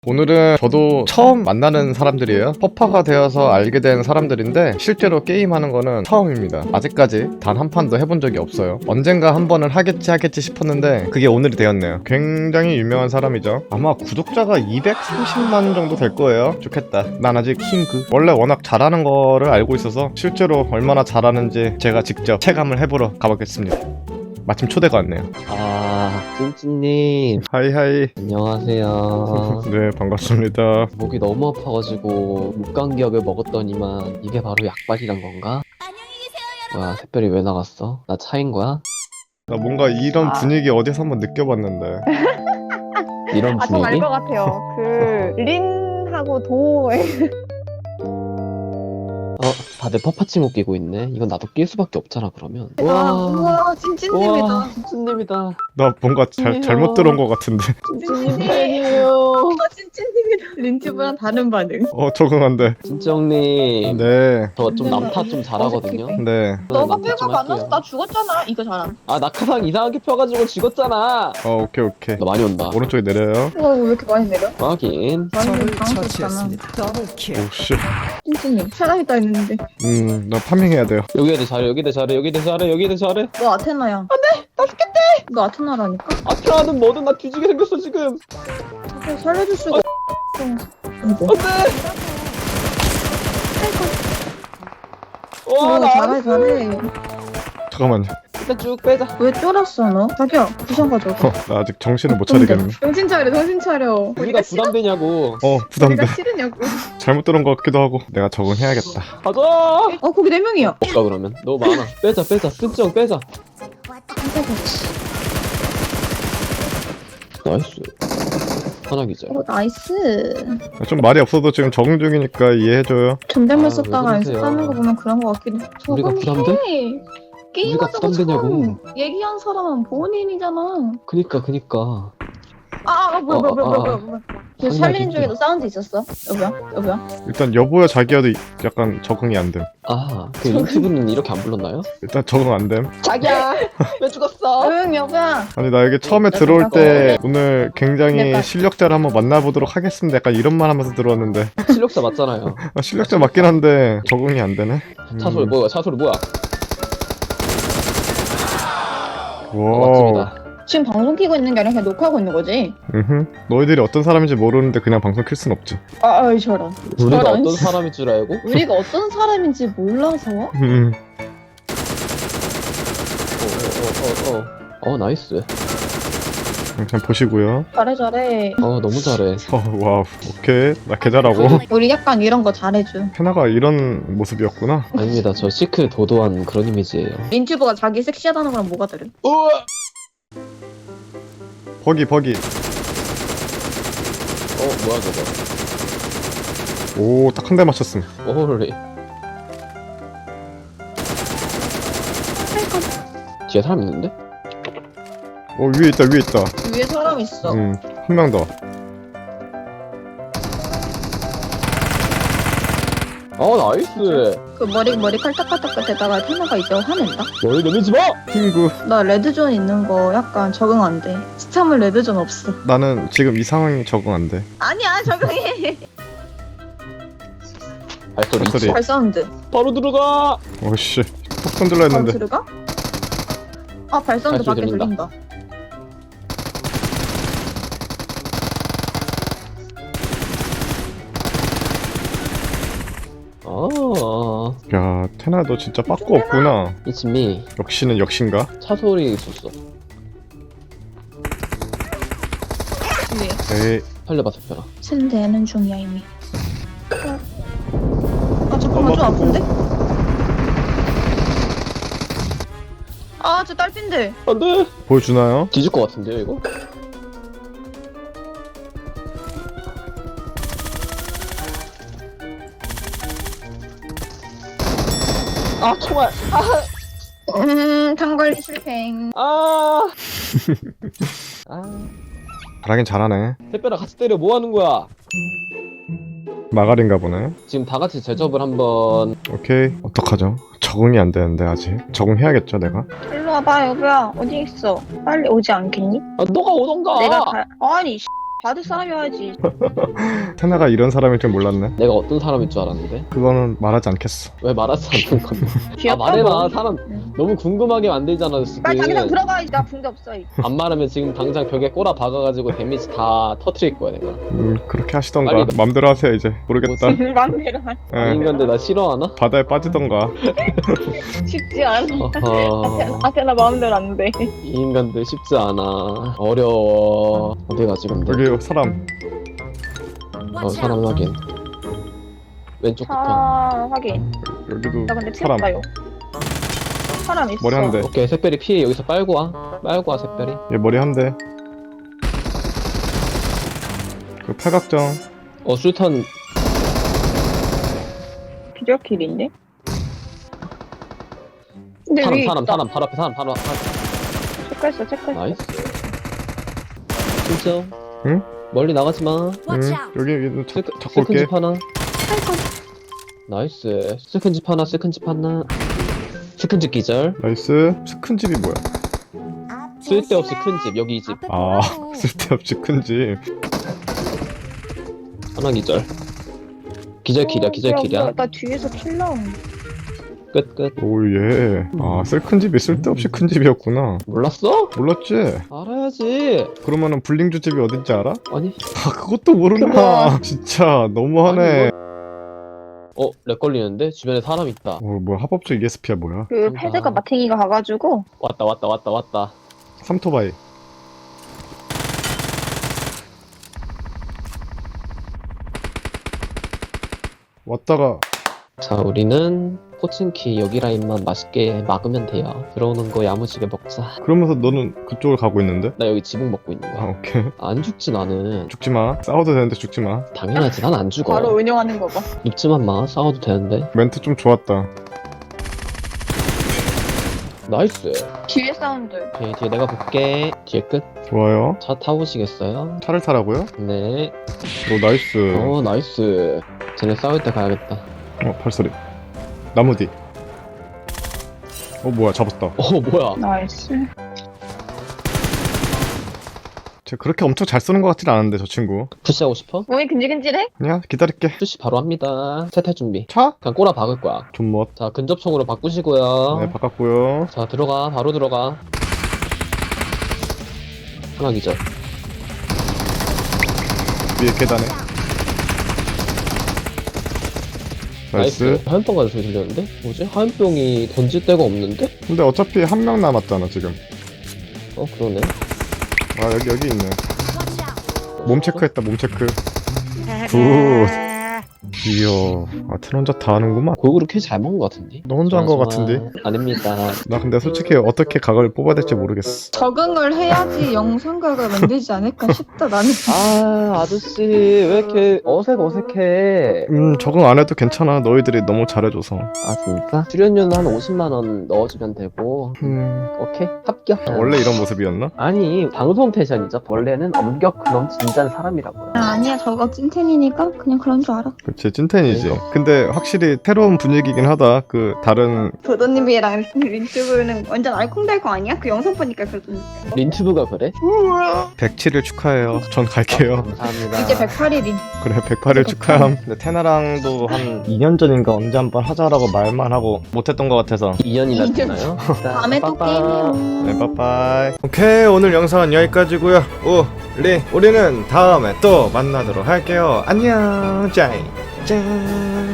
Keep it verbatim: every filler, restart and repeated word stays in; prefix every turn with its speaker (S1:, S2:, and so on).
S1: 오늘은 저도 처음 만나는 사람들이에요. 퍼파가 되어서 알게 된 사람들인데 실제로 게임하는 거는 처음입니다. 아직까지 단 한 판도 해본 적이 없어요. 언젠가 한 번은 하겠지 하겠지 싶었는데 그게 오늘이 되었네요. 굉장히 유명한 사람이죠. 아마 구독자가 이백삼십만 정도 될 거예요. 좋겠다. 난 아직 킹그. 원래 워낙 잘하는 거를 알고 있어서 실제로 얼마나 잘하는지 제가 직접 체감을 해보러 가보겠습니다. 마침 초대가 왔네요.
S2: 아, 찐찐님
S1: 하이하이.
S2: 안녕하세요.
S1: 네, 반갑습니다.
S2: 목이 너무 아파가지고 목감기약을 먹었더니만 이게 바로 약발이란 건가? 뭐야, 샛별이 왜 나갔어? 나 차인 거야?
S1: 나 뭔가 이런
S3: 아.
S1: 분위기 어디서 한번 느껴봤는데.
S2: 이런
S3: 아, 좀 알
S2: 분위기?
S3: 것 같아요. 그 린하고 도에
S2: 어, 다들 퍼파칭 끼고 있네. 이건 나도 낄 수밖에 없잖아 그러면.
S3: 와, 우와, 찐찐님이다.
S2: 우와, 찐찐님이다.
S1: 나 뭔가 잘,
S2: 아니에요.
S1: 잘못 들어온 것 같은데.
S2: 찐찐님 팬이에요.
S3: 아, 찐찐님이다. 린튜브랑 다른 반응.
S1: 어, 적응 안 돼.
S2: 진정님.
S1: 네,
S2: 저 좀 남탓 좀 잘하거든요.
S1: 네.
S3: 너가
S2: 남탓
S3: 빼고
S2: 좀
S3: 만나서
S2: 할게요.
S3: 나 죽었잖아. 이거 잘함.
S2: 아, 낙하산 이상하게 펴가지고 죽었잖아.
S1: 어, 오케이, 오케이.
S2: 너 많이 온다.
S1: 오른쪽에 내려요.
S3: 와, 왜 이렇게 많이 내려?
S2: 확인.
S3: 완전 당황스럽잖아.
S1: 오, 씨.
S3: 찐찐님, 사람이다 했는데.
S1: 음, 나 파밍해야 돼요.
S2: 여기에 대 잘해, 여기에 대 잘해, 여기에 대 잘해, 여기에 대 잘해.
S3: 너 아테나야. 안 돼! 나 죽겠대! 너 아테나라니까?
S2: 아트라는 뭐든 나 뒤지게 생겼어 지금.
S3: 그래, 살려줄 수가 없어. 이거.
S2: 안돼. 와,
S3: 어,
S2: 나
S3: 잘해, 잘해.
S1: 잠깐만요.
S2: 일단 쭉 빼자.
S3: 왜 쫄았어, 너? 자기야, 부셔 가져가.
S1: 어, 나 아직 정신을 못 차리겠네.
S3: 정신 차려, 정신 차려.
S2: 우리가 부담되냐고.
S1: 어, 부담돼.
S3: 우리가 싫으냐고.
S1: 잘못 들은 것 같기도 하고. 내가 적응해야겠다.
S2: 가자.
S3: 어, 거기 네 명이야.
S2: 없다 그러면. 너무 많아. 빼자, 빼자. 쓴정 빼자. 나이스. 하나 기절.
S3: 어, 나이스.
S1: 좀 말이 없어도 지금 적응 중이니까 이해해줘요.
S3: 존댓말
S2: 아,
S3: 썼다가
S2: 왜 그러세요?
S3: 연습하는 거 보면 그런 거 같기도 해.
S2: 우리가
S3: 적응해.
S2: 부담돼?
S3: 게임하자고
S2: 부담되냐고.
S3: 처음 얘기한 사람은 본인이잖아.
S2: 그니까, 그니까.
S3: 아, 아 뭐야,
S2: 어,
S3: 뭐야, 뭐야,
S2: 아,
S3: 뭐야,
S2: 아.
S3: 뭐야. 그
S2: 아니야,
S3: 샬린
S2: 진짜.
S3: 중에도 사운드 있었어? 여보야, 여보야.
S1: 일단 여보야 자기야도 약간 적응이 안 됨.
S2: 아, 그 유튜브는 이렇게 안 불렀나요?
S1: 일단 적응 안 됨.
S2: 자기야, 왜 죽었어?
S3: 응, 여보야.
S1: 아니 나 여기 처음에
S3: 나
S1: 들어올 때
S3: 생각하고.
S1: 오늘 굉장히
S3: 내가-
S1: 실력자를 한번 만나보도록 하겠습니다. 약간 이런 말 하면서 들어왔는데
S2: 실력자 맞잖아요.
S1: 아, 실력자 맞긴 한데 적응이 안 되네.
S2: 차소리 뭐야? 차소리 뭐야? 어,
S1: 와.
S2: 맞습니다.
S3: 지금 방송 키고 있는 게 아니라 그냥 녹화하고 있는 거지?
S1: 음흠. 너희들이 어떤 사람인지 모르는데 그냥 방송 킬 순 없지.
S3: 아, 아이, 저런.
S2: 우리가
S3: 저런.
S2: 어떤 사람일 줄 알고?
S3: 우리가 어떤 사람인지 몰라서?
S1: 음.
S2: 어, 어, 어, 어, 어, 나이스.
S1: 그냥 보시고요.
S3: 잘해, 잘해.
S2: 어, 너무 잘해.
S1: 어, 와우. 오케이. 나 개잘하고.
S3: 우리 약간 이런 거 잘해줘.
S1: 페나가 이런 모습이었구나.
S2: 아닙니다. 저 시크 도도한 그런 이미지예요.
S3: 린튜브가 자기 섹시하다는 거랑 뭐가 다른?
S2: 우와!
S1: 버기 버기.
S2: 어, 뭐야 저거?
S1: 오, 딱 한 대 맞췄음.
S2: 오리. 뒤에 사람 있는데?
S1: 어, 위에 있다 위에 있다.
S3: 위에 사람 있어.
S1: 음, 한 명 더.
S2: 어, 나이스.
S3: 그 머리 머리 칼딱칼딱 대다가 테마가 이제 화낸다.
S2: 머리 내밀지 마!
S1: 핑구.
S3: 나 레드존 있는 거 약간 적응 안 돼. 스참은 레드존 없어.
S1: 나는 지금 이 상황이 적응 안 돼.
S3: 아니야 적응해.
S2: 발소리
S1: 발소리.
S2: 있지?
S3: 발 사운드.
S2: 바로 들어가!
S1: 오씨. 톡 건들라
S3: 어,
S1: 했는데.
S3: 들어가? 아 발사운드
S2: 발소리
S3: 밖에
S2: 들린다.
S3: 들린다.
S2: 어,
S1: 야, 테나 너 진짜 빠꾸 없구나.
S2: it's me.
S1: 역시는 역신가?
S2: 차 소리 있었어.
S3: 위에.
S1: 에이.
S2: 살려봐, 살펴라.
S3: 챈되는 중이야 이미. 아 잠깐만 좀 아픈데? 아저 딸핀데.
S2: 안 돼!
S1: 보여주나요?
S2: 뒤질 것 같은데요, 이거? 아, 총알!
S3: 음 tan관리 실패.
S2: 아! 아.
S1: 잘하긴 잘하네.
S2: 햇볕아 같이 때려 뭐 하는 거야?
S1: 마가린가 보네.
S2: 지금 다 같이 제접을 한번.
S1: 오케이. 어떡하죠? 적응이 안 되는데 아직. 적응해야겠죠 내가?
S3: 일로 와봐 여보야. 어디 있어? 빨리 오지 않겠니?
S2: 아, 너가 오던가.
S3: 내가 가. 아니 받을 사람이어야지.
S1: 테나가 이런 사람일 줄 몰랐네.
S2: 내가 어떤 사람일 줄 알았는데?
S1: 그거는 말하지 않겠어.
S2: 왜 말하지 않는 건데? 아
S3: 귀엽다고.
S2: 말해봐. 사람
S3: 응.
S2: 너무 궁금하게 만들잖아 지금.
S3: 빨리 당장 들어가. 나 붕대 없어.
S2: 안 말하면 지금 당장 벽에 꼬라 박아가지고 데미지 다 터트릴 거야 내가.
S1: 음, 그렇게 하시던가.
S2: 빨리.
S1: 맘대로 하세요 이제. 모르겠다.
S3: 맘대로 하.
S1: 예.
S2: 이 인간들 나 싫어하나?
S1: 바다에 빠지던가.
S3: 쉽지 않아.
S2: 어허.
S3: 아테나 마음대로 안 돼.
S2: 이 인간들 쉽지 않아. 어려워. 어디 가지 근데?
S1: 여기 사람.
S2: 어 사람 확인. 왼쪽부터.
S3: 차 확인.
S1: 여기도
S3: 나 근데 피
S1: 사람.
S3: 없다요. 사람 있어.
S1: 머리 한 대.
S2: 오케이 샛별이 피해 여기서 빨고 와. 빨고 와 샛별이.
S1: 얘 머리 한 대. 그 팔각정.
S2: 어 술탄.
S3: 비절킬인데? 근데
S2: 사람
S3: 위에
S2: 사람
S3: 있다.
S2: 사람 바로 앞에 사람 바로 앞에.
S3: 체크했어 체크했어.
S2: 나이스. 진짜?
S1: 응?
S2: 멀리 나가지 마.
S1: 응. 여기 여기 자,
S2: 스크,
S1: 잡고 올게.
S2: 스큰집 하나. 나이스. 스큰집 하나, 스큰집 하나. 스큰집 기절.
S1: 나이스. 큰 집이 뭐야?
S2: 쓸데없이 큰 집. 여기 이 집.
S1: 아 쓸데없이 큰 집.
S2: 하나 기절. 기절 킬이야, 기절
S3: 뭐야,
S2: 킬이야.
S3: 뭐야, 나 뒤에서 킬 나온.
S2: 끝, 끝.
S1: 오예. 아 쓸 큰 집이 쓸데없이 큰 집이었구나.
S2: 몰랐어?
S1: 몰랐지?
S2: 알아야지.
S1: 그러면은 불링주 집이 어딘지 알아?
S2: 아니.
S1: 아 그것도 모르나. 진짜 너무하네.
S2: 어, 렉 걸리는데? 주변에 사람 있다.
S1: 어 뭐야 합법적 이에스피야 뭐야?
S3: 그
S2: 그런가.
S3: 패드가 마탱이가 가가지고
S2: 왔다, 왔다, 왔다, 왔다.
S1: 삼토바이. 왔다가
S2: 자, 우리는 포칭키 여기 라인만 맛있게 막으면 돼요. 들어오는 거 야무지게 먹자.
S1: 그러면서 너는 그쪽을 가고 있는데?
S2: 나 여기 지붕 먹고 있는
S1: 아
S2: 거야.
S1: 오케이.
S2: 안 죽지, 나는.
S1: 죽지 마. 싸워도 되는데 죽지 마.
S2: 당연하지, 난 안 죽어.
S3: 바로 운영하는 거 봐.
S2: 눕지만 마, 싸워도 되는데.
S1: 멘트 좀 좋았다.
S2: 나이스.
S3: 뒤에 사운드.
S2: 오케이, 뒤에 내가 볼게. 뒤에 끝.
S1: 좋아요.
S2: 차 타보시겠어요?
S1: 차를 타라고요?
S2: 네.
S1: 오 나이스.
S2: 어, 나이스. 쟤네 싸울 때 가야겠다.
S1: 어 발소리. 나무 뒤. 어 뭐야 잡았다.
S2: 어, 뭐야.
S3: 나이스.
S1: 쟤 그렇게 엄청 잘 쏘는 것 같진 않은데 저 친구.
S2: 푸시하고 싶어?
S3: 몸이 근질근질해?
S1: 그냥 기다릴게.
S2: 푸시 바로 합니다. 세탈 준비.
S1: 차?
S2: 그냥 꼬라 박을 거야.
S1: 존멋.
S2: 자, 근접총으로 바꾸시고요.
S1: 네 바꿨고요.
S2: 자, 들어가. 바로 들어가. 하나 기절.
S1: 위에 계단에. 나이스.
S2: 화염병 가는 소리 들렸는데? 뭐지? 화염병이 던질 데가 없는데?
S1: 근데 어차피 한 명 남았잖아 지금.
S2: 어, 그러네.
S1: 아 여기 여기 있네. 몸 체크했다 몸 체크. 굿. 이야. 아 텐 혼자 다 하는구만.
S2: 골고루 킬 잘 먹은 것 같은데?
S1: 너 혼자 한 것
S2: 좋아,
S1: 같은데.
S2: 좋아. 아닙니다.
S1: 나 근데 솔직히 어떻게 각을 뽑아야 될지 모르겠어.
S3: 적응을 해야지 영상각을 만들지 않을까 싶다 나는.
S2: 아, 아저씨 왜 이렇게 어색 어색해?
S1: 음 적응 안 해도 괜찮아. 너희들이 너무 잘해줘서.
S2: 아, 진짜? 출연료는 한 오십만 원 넣어주면 되고.
S1: 음
S2: 오케이, 합격.
S1: 원래 이런 모습이었나?
S2: 아니, 방송 패션이죠. 원래는 엄격 그럼 진짠 사람이라고요.
S3: 아, 아니야 저거 찐텐이니까 그냥 그런 줄 알아.
S1: 그치 찐텐이지.
S2: 그러니까.
S1: 근데 확실히 새로운 분위기긴 하다. 그 다른
S3: 도도님이랑 린튜브는 완전 알콩달콩 아니야? 그 영상 보니까 그러던데.
S2: 린튜브가 그래?
S1: 백칠 일 축하해요. 전 갈게요.
S2: 감사합니다.
S3: 이제 백팔 일인.
S1: 그래 백팔 일 축하함. 근데 테나랑도 한 이 년 전인가 언제 한번 하자라고 말만 하고 못했던 것 같아서.
S2: 이 년이나
S3: 이 년
S2: 되나요?
S3: 다음에 또 게임이요.
S1: 네 빠빠이. 오케이 오늘 영상은 여기까지고요. 우리 우리는 다음에 또 만나도록 할게요. 안녕 짜이 짠.